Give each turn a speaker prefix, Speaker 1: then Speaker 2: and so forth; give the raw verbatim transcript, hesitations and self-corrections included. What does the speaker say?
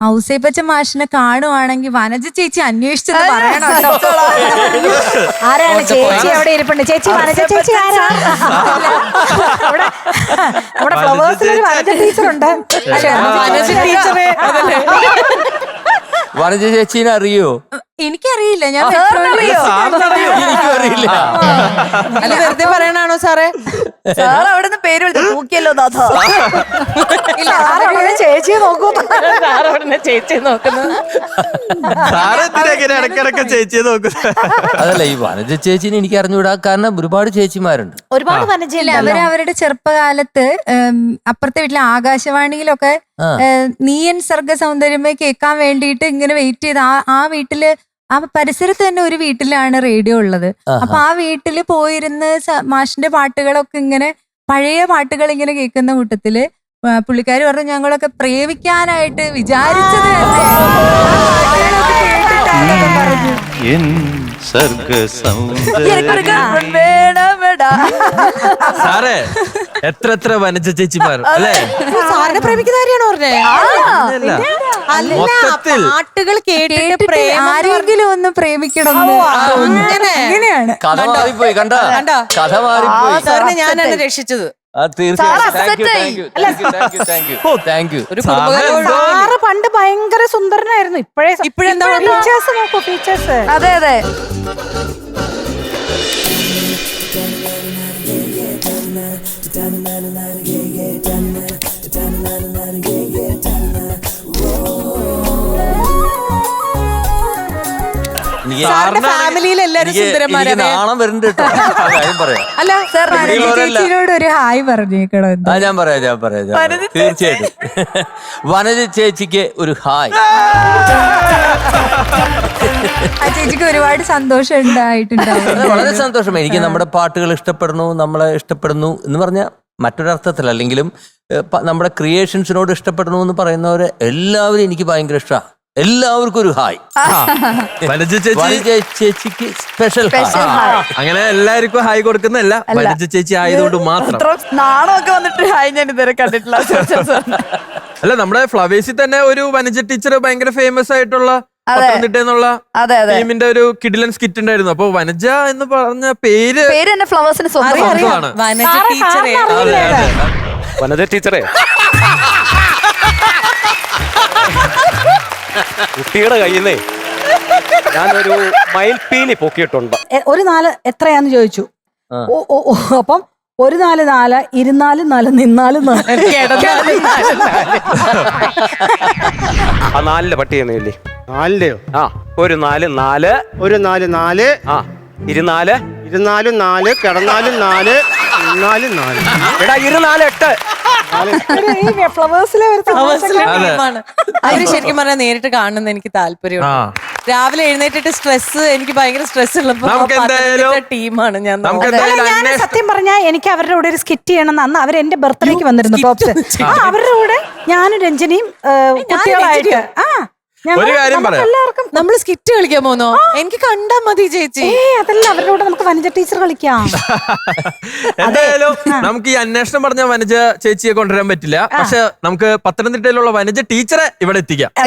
Speaker 1: ഔസേപ്പച്ച മാഷിനെ കാണുവാണെങ്കിൽ വനജ ചേച്ചി അന്വേഷിച്ചെന്ന് പറയണം.
Speaker 2: ആരാണ് ചേച്ചി? അവിടെ ഇരിപ്പുണ്ട് ചേച്ചി. വനജ ചേച്ചി ആരാ? അവിടെ നമ്മുടെ ഫ്ലവേഴ്സിൽ ഒരു വനജ ടീച്ചറുണ്ട്.
Speaker 3: വനജ ചേച്ചീനെ അറിയോ?
Speaker 1: എനിക്കറിയില്ല. ഞാൻ
Speaker 3: എനിക്കറിയില്ല.
Speaker 4: അല്ല വെറുതെ പറയണാണോ സാറേ?
Speaker 2: സാർ അവിടെ നിന്ന് പേര് വിളിച്ചു നോക്കിയല്ലോ ദാദ. ചേച്ചിയെ നോക്കൂ.
Speaker 4: ചേച്ചി നോക്കുന്നത്
Speaker 5: ഇടക്കിടക്ക് ചേച്ചിയെ നോക്കുന്നത്.
Speaker 3: അതല്ല, ഈ വനജ ചേച്ചീനെ എനിക്ക് അറിഞ്ഞുകൂടാ. കാരണം ഒരുപാട് ചേച്ചിമാരുണ്ട്.
Speaker 2: ഒരുപാട് വനജയില്ല.
Speaker 1: അവര് അവരുടെ ചെറുപ്പകാലത്ത് അപ്പുറത്തെ വീട്ടിലെ ആകാശവാണിയിലൊക്കെ നീയൻ സർഗ സൗന്ദര്യമേ കേൾക്കാൻ വേണ്ടിയിട്ട് ഇങ്ങനെ വെയിറ്റ് ചെയ്ത് ആ ആ വീട്ടില് ആ പരിസരത്ത് തന്നെ ഒരു വീട്ടിലാണ് റേഡിയോ ഉള്ളത്. അപ്പൊ ആ വീട്ടില് പോയിരുന്ന് മാഷിന്റെ പാട്ടുകളൊക്കെ ഇങ്ങനെ പഴയ പാട്ടുകൾ ഇങ്ങനെ കേൾക്കുന്ന കൂട്ടത്തില് പുള്ളിക്കാര് പറഞ്ഞു ഞങ്ങളൊക്കെ പ്രേമിക്കാനായിട്ട് വിചാരിച്ചത്
Speaker 5: സാറേ എത്ര എത്ര വനജ ചേച്ചിമാർ അല്ലേ?
Speaker 4: സാറിനെ പ്രേമിക്കുന്ന കാര്യമാണോ പറഞ്ഞേ?
Speaker 5: മൊത്തത്തിൽ
Speaker 4: പാട്ടുകൾ കേട്ടിട്ട്
Speaker 1: ആരെങ്കിലും ഒന്ന് പ്രേമിക്കണം അങ്ങനെയാണ്.
Speaker 3: കഥ മാറിപ്പോയി. കണ്ട കഥ മാറിപ്പോയി.
Speaker 4: സാറിനെ ഞാനാണ് രക്ഷിച്ചത്.
Speaker 2: സാറ് പണ്ട് ഭയങ്കര സുന്ദരനായിരുന്നു. ഇപ്പോഴേ
Speaker 4: ഇപ്പോഴെന്താ
Speaker 2: ഫീച്ചേഴ്സ് നോക്കൂ, ഫീച്ചേഴ്സ്. അതെ അതെ.
Speaker 4: ഫാമിലിയിൽ എല്ലാരും സുന്ദരന്മാരാണ്.
Speaker 3: നാണം വരുന്നുണ്ട് കേട്ടോ. കാര്യം പറയാം.
Speaker 4: അല്ല സാർ
Speaker 1: ചേച്ചിയോട് ഒരു ഹായ് പറഞ്ഞേക്കണോ?
Speaker 3: ആ ഞാൻ പറയാം ഞാൻ പറയാം തീർച്ചയായിട്ടും. വനജ ചേച്ചിക്ക് ഒരു ഹായ്.
Speaker 1: ആ ചേച്ചിക്ക് ഒരുപാട് സന്തോഷം ഉണ്ടായിട്ടുണ്ടാവും.
Speaker 3: വളരെ സന്തോഷം. എനിക്ക് നമ്മുടെ പാട്ടുകൾ ഇഷ്ടപ്പെടുന്നു, നമ്മളെ ഇഷ്ടപ്പെടുന്നു എന്ന് പറഞ്ഞാൽ മറ്റൊരർത്ഥത്തിൽ അല്ലെങ്കിലും നമ്മുടെ ക്രിയേഷൻസിനോട് ഇഷ്ടപ്പെടുന്നു എന്ന് പറയുന്നവരെ എല്ലാവരും എനിക്ക് ഭയങ്കര ഇഷ്ടമാണ്. എല്ലാവർക്കും ഒരു ഹായ്.
Speaker 5: വനജ ചേച്ചി
Speaker 3: ചേച്ചിക്ക് സ്പെഷ്യൽ
Speaker 5: അങ്ങനെ എല്ലാവർക്കും ഹായ് കൊടുക്കുന്നല്ല, വനജ ചേച്ചി ആയതുകൊണ്ട് മാത്രം.
Speaker 2: നാണമൊക്കെ വന്നിട്ട് ഹായ് ഞാൻ ഇതുവരെ കണ്ടിട്ടില്ല.
Speaker 5: അല്ല നമ്മുടെ ഫ്ലവേഴ്സിൽ തന്നെ ഒരു വനജ ടീച്ചർ ഭയങ്കര ഫേമസ് ആയിട്ടുള്ള പത്തനംതിട്ട ടീമിന്റെ ഒരു കിഡിലൻ സ്കിറ്റ് ഉണ്ടായിരുന്നു. അപ്പൊ വനജ എന്ന് പറഞ്ഞ പേര്
Speaker 2: പേര് തന്നെ ഫ്ലവേഴ്സിന്
Speaker 5: സ്വന്തമാണ്.
Speaker 4: വനജ ടീച്ചറെ
Speaker 5: വനജ ടീച്ചറെ
Speaker 6: കുട്ടിയുടെ കയ്യിൽ നിന്നേ ഞാനൊരു മയിൽപ്പീലി പൊക്കിയിട്ടുണ്ട്.
Speaker 2: ഒരു നാല് എത്രയാന്ന് ചോദിച്ചു. അപ്പം ഒരു നാല് നാല് ഇരുന്നാലും നാല് നിന്നാലും നാല്.
Speaker 6: ആ നാലിലെ പട്ടിയെന്നില്ലേ?
Speaker 7: നാലിന്റെയോ?
Speaker 6: ആ ഒരു നാല് നാല്
Speaker 7: ഒരു നാല് നാല്
Speaker 6: ആ ഇരുനാല്
Speaker 7: ഇരുന്നാലും നാല് കിടന്നാലും നാല് നിന്നാലും നാല്.
Speaker 6: എടാ ഇരുനാല് എട്ട്.
Speaker 2: ഫ്ലവേഴ്സിലെ ഒരു
Speaker 4: ടീമാണ്. അവര് ശരിക്കും പറഞ്ഞാൽ നേരിട്ട് കാണുന്ന എനിക്ക് താല്പര്യമുണ്ട്. രാവിലെ എഴുന്നേറ്റിട്ട് സ്ട്രെസ്, എനിക്ക് ഭയങ്കര സ്ട്രെസ് ഉള്ളപ്പോ ടീമാണ് ഞാൻ.
Speaker 2: ഞാൻ സത്യം പറഞ്ഞാൽ എനിക്ക് അവരുടെ കൂടെ ഒരു സ്കിറ്റ് ചെയ്യണം. അന്ന് അവർ എന്റെ ബർത്ത്ഡേക്ക് വന്നിരുന്നു ടോപ്സ്. അവരുടെ കൂടെ ഞാനും രഞ്ജനിയും കുട്ടികളായിട്ട് ആ
Speaker 5: ഒരു കാര്യം പറയാം,
Speaker 2: എല്ലാവർക്കും
Speaker 4: നമ്മള് സ്കിറ്റ് കളിക്കാൻ പോന്നോ? എനിക്ക് കണ്ടാ മതി ചേച്ചി.
Speaker 2: അതല്ല, അവരുടെ കൂടെ നമുക്ക് വനജ ടീച്ചർ കളിക്കാം.
Speaker 5: എന്തായാലും നമുക്ക് ഈ അന്വേഷണം പറഞ്ഞ വനജ ചേച്ചിയെ കൊണ്ടുവരാൻ പറ്റില്ല, പക്ഷെ നമുക്ക് പത്തനംതിട്ടയിലുള്ള വനജ ടീച്ചറെ ഇവിടെ എത്തിക്കാം.